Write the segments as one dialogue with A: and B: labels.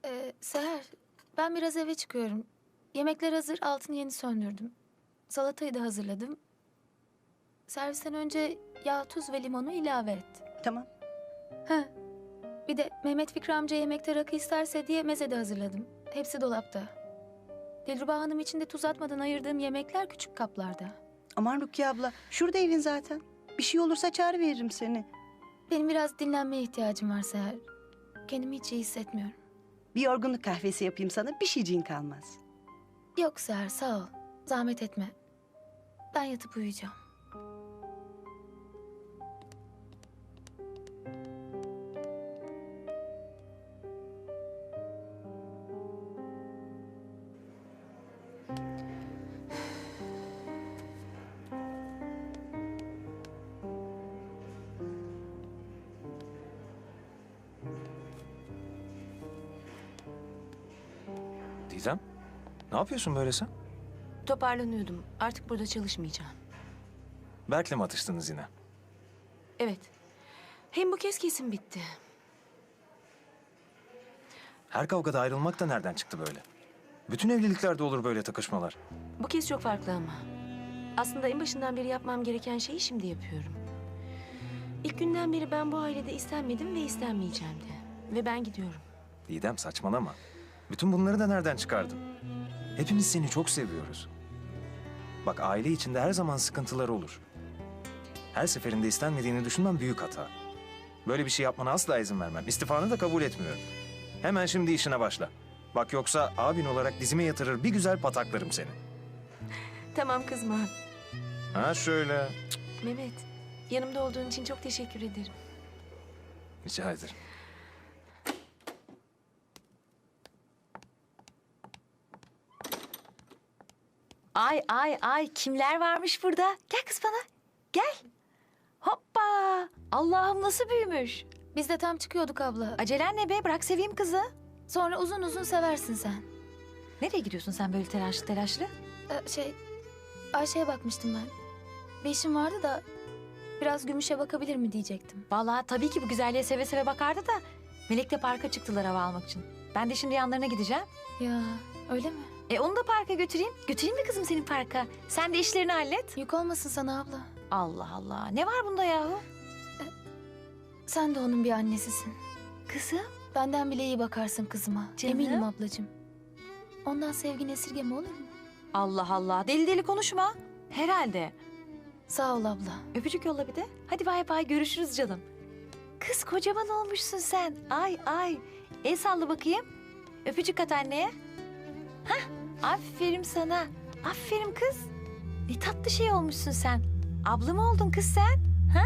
A: Seher, ben biraz eve çıkıyorum. Yemekler hazır, altını yeni söndürdüm. Salatayı da hazırladım. Servisten önce yağ, tuz ve limonu ilave et.
B: Tamam.
A: Ha, bir de Mehmet Fikri amca yemekte rakı isterse diye meze de hazırladım. Hepsi dolapta. Dilruba Hanım için de tuz atmadan ayırdığım yemekler küçük kaplarda.
B: Aman Rukiye abla, şurada evin zaten. Bir şey olursa çağrı veririm seni.
A: Benim biraz dinlenmeye ihtiyacım var Seher. Kendimi hiç iyi hissetmiyorum.
B: Bir yorgunluk kahvesi yapayım sana, bir şeyciğin kalmaz.
A: Yok Seher, sağ ol. Zahmet etme. Ben yatıp uyuyacağım.
C: Didem, ne yapıyorsun böyle sen?
D: Toparlanıyordum. Artık burada çalışmayacağım.
C: Berk'le mi atıştınız yine?
D: Evet. Hem bu kez kesin bitti.
C: Her kavgada ayrılmak da nereden çıktı böyle? Bütün evliliklerde olur böyle takışmalar.
D: Bu kez çok farklı ama. Aslında en başından beri yapmam gereken şeyi şimdi yapıyorum. İlk günden beri ben bu ailede istenmedim ve istenmeyeceğim de. Ve ben gidiyorum.
C: Didem saçmalama. Bütün bunları da nereden çıkardın? Hepimiz seni çok seviyoruz. Bak aile içinde her zaman sıkıntılar olur. Her seferinde istenmediğini düşünmem büyük hata. Böyle bir şey yapmana asla izin vermem. İstifanı da kabul etmiyorum. Hemen şimdi işine başla. Bak yoksa abin olarak dizime yatırır bir güzel pataklarım seni.
D: Tamam kızma.
C: Ha şöyle.
D: Mehmet, yanımda olduğun için çok teşekkür ederim.
C: Rica ederim.
E: Ay ay ay kimler varmış burada? Gel kız bana. Gel. Hoppa. Allah'ım nasıl büyümüş.
A: Biz de tam çıkıyorduk abla.
E: Acelen ne be? Bırak seveyim kızı.
A: Sonra uzun uzun seversin sen.
E: Nereye gidiyorsun sen böyle telaşlı telaşlı?
A: Ayşe'ye bakmıştım ben. Bir işim vardı da biraz Gümüş'e bakabilir mi diyecektim.
E: Vallahi tabii ki bu güzelliğe seve seve bakardı da Melek de parka çıktılar hava almak için. Ben de şimdi yanlarına gideceğim.
A: Ya öyle mi?
E: Onu da parka götüreyim. Götüreyim mi kızım senin parka? Sen de işlerini hallet.
A: Yük olmasın sana abla.
E: Allah Allah. Ne var bunda yahu?
A: Sen de onun bir annesisin.
E: Kızım.
A: Benden bile iyi bakarsın kızıma.
E: Canım.
A: Eminim ablacığım. Ondan sevgini esirgeme olur mu?
E: Allah Allah. Deli deli konuşma. Herhalde.
A: Sağ ol abla.
E: Öpücük yolla bir de. Hadi bay bay görüşürüz canım. Kız kocaman olmuşsun sen. Ay ay. El salla bakayım. Öpücük at anneye. Hah. Aferin sana. Aferin kız. Ne tatlı şey olmuşsun sen. Abla mı oldun kız sen? Ha?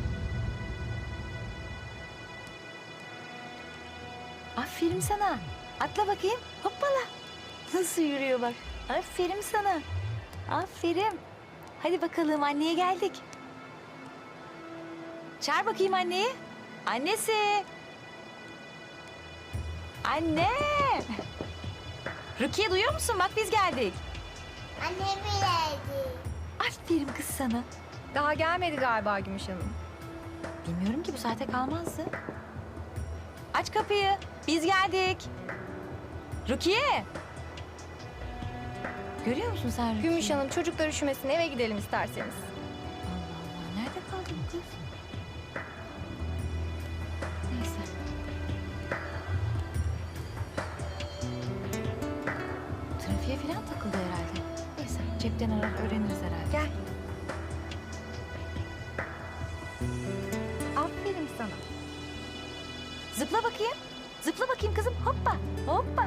E: Aferin sana. Atla bakayım. Hoppala. Nasıl yürüyor bak. Aferin sana. Aferin. Hadi bakalım anneye geldik. Çağır bakayım anneyi. Annesi. Anne. Rukiye duyuyor musun? Bak biz geldik.
F: Annem geldi.
E: Aferin kız sana.
G: Daha gelmedi galiba Gümüş Hanım.
E: Bilmiyorum ki bu saate kalmazdı. Aç kapıyı. Biz geldik. Rukiye. Görüyor musun sen Rukiye?
G: Gümüş Hanım çocuklar üşümesin eve gidelim isterseniz.
E: Allah Allah. Nerede kaldı bu kız? Neyse. Trafiğe falan takıldı herhalde. Neyse cepten arar öğreniriz herhalde. Gel.
G: Aferin sana.
E: Zıpla bakayım. Zıpla bakayım kızım. Hoppa. Hoppa.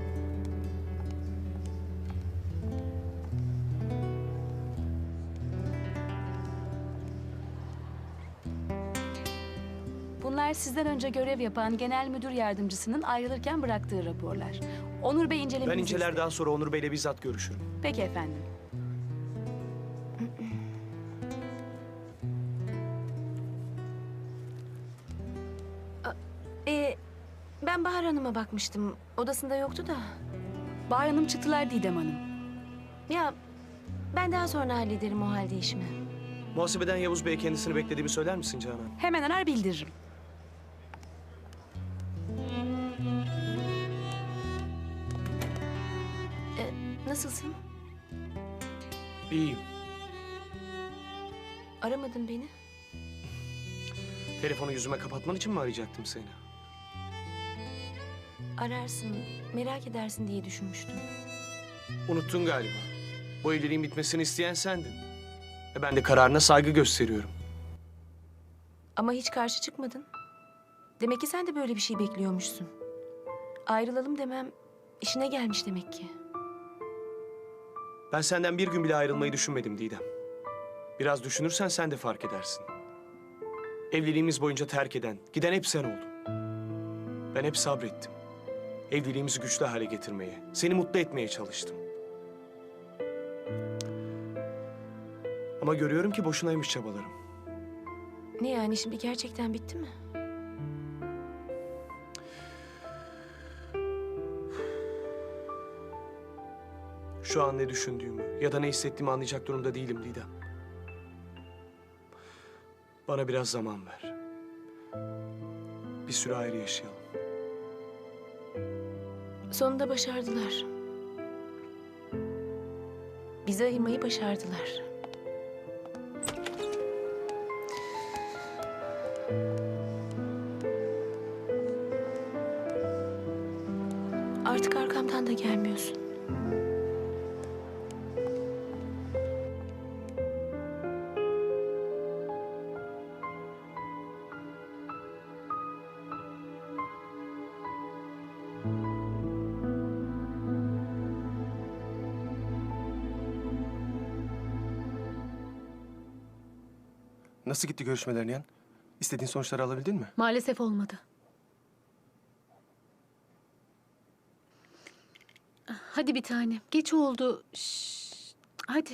H: Bunlar sizden önce görev yapan genel müdür yardımcısının ayrılırken bıraktığı raporlar. Onur Bey incelemenizi
I: Ben inceler
H: istedi.
I: daha sonra Onur Bey'le bizzat görüşürüm.
H: Peki efendim.
D: Ben Bahar Hanım'a bakmıştım. Odasında yoktu da.
H: Bahar Hanım çıktılar Didem Hanım.
D: Ya ben daha sonra hallederim o halde işimi.
I: Muhasebeden Yavuz Bey'e kendisini beklediğimi söyler misin Canan?
H: Hemen arar bildiririm.
D: Nasılsın?
I: İyiyim.
D: Aramadın beni.
I: Telefonu yüzüme kapatman için mi arayacaktım seni?
D: Ararsın, merak edersin diye düşünmüştüm.
I: Unuttun galiba. Bu evliliğin bitmesini isteyen sendin. Ben de kararına saygı gösteriyorum.
D: Ama hiç karşı çıkmadın. Demek ki sen de böyle bir şey bekliyormuşsun. Ayrılalım demem işine gelmiş demek ki.
I: Ben senden bir gün bile ayrılmayı düşünmedim Didem. Biraz düşünürsen sen de fark edersin. Evliliğimiz boyunca terk eden, giden hep sen oldun. Ben hep sabrettim. Evliliğimizi güçlü hale getirmeye, seni mutlu etmeye çalıştım. Ama görüyorum ki boşunaymış çabalarım.
D: Ne yani şimdi gerçekten bitti mi?
I: Şu an ne düşündüğümü ya da ne hissettiğimi anlayacak durumda değilim Didem. Bana biraz zaman ver. Bir süre ayrı yaşayalım.
D: Sonunda başardılar. Bizi ayırmayı başardılar. Artık arkamdan da gelmiyorsun.
J: Nasıl gitti görüşmelerin Nihan? İstediğin sonuçları alabildin mi?
H: Maalesef olmadı. Hadi bir tane. Geç oldu. Şşş. Hadi.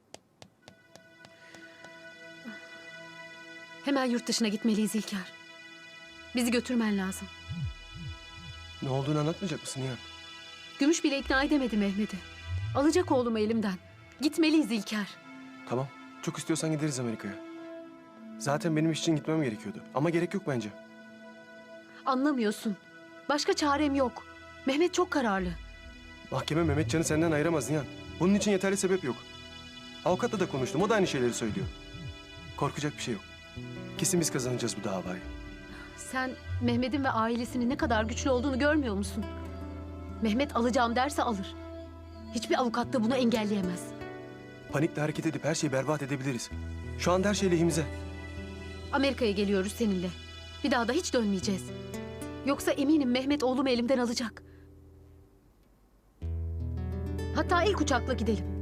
H: Hemen yurt dışına gitmeliyiz İlker. Bizi götürmen lazım.
J: Ne olduğunu anlatmayacak mısın Nihan?
H: Gümüş bile ikna edemedi Mehmet'i. Alacak oğlumu elimden. Gitmeliyiz İlker.
J: Tamam. Çok istiyorsan gideriz Amerika'ya. Zaten benim iş için gitmem gerekiyordu. Ama gerek yok bence.
H: Anlamıyorsun. Başka çarem yok. Mehmet çok kararlı.
J: Mahkeme Mehmetcan'ı senden ayıramaz Nihan. Bunun için yeterli sebep yok. Avukatla da konuştum. O da aynı şeyleri söylüyor. Korkacak bir şey yok. Kesin biz kazanacağız bu davayı.
H: Sen Mehmet'in ve ailesinin ne kadar güçlü olduğunu görmüyor musun? Mehmet alacağım derse alır. Hiçbir avukat da bunu engelleyemez.
J: Panikle hareket edip her şeyi berbat edebiliriz. Şu anda her şey lehimize.
H: Amerika'ya geliyoruz seninle. Bir daha da hiç dönmeyeceğiz. Yoksa eminim Mehmet oğlumu elimden alacak. Hatta ilk uçakla gidelim.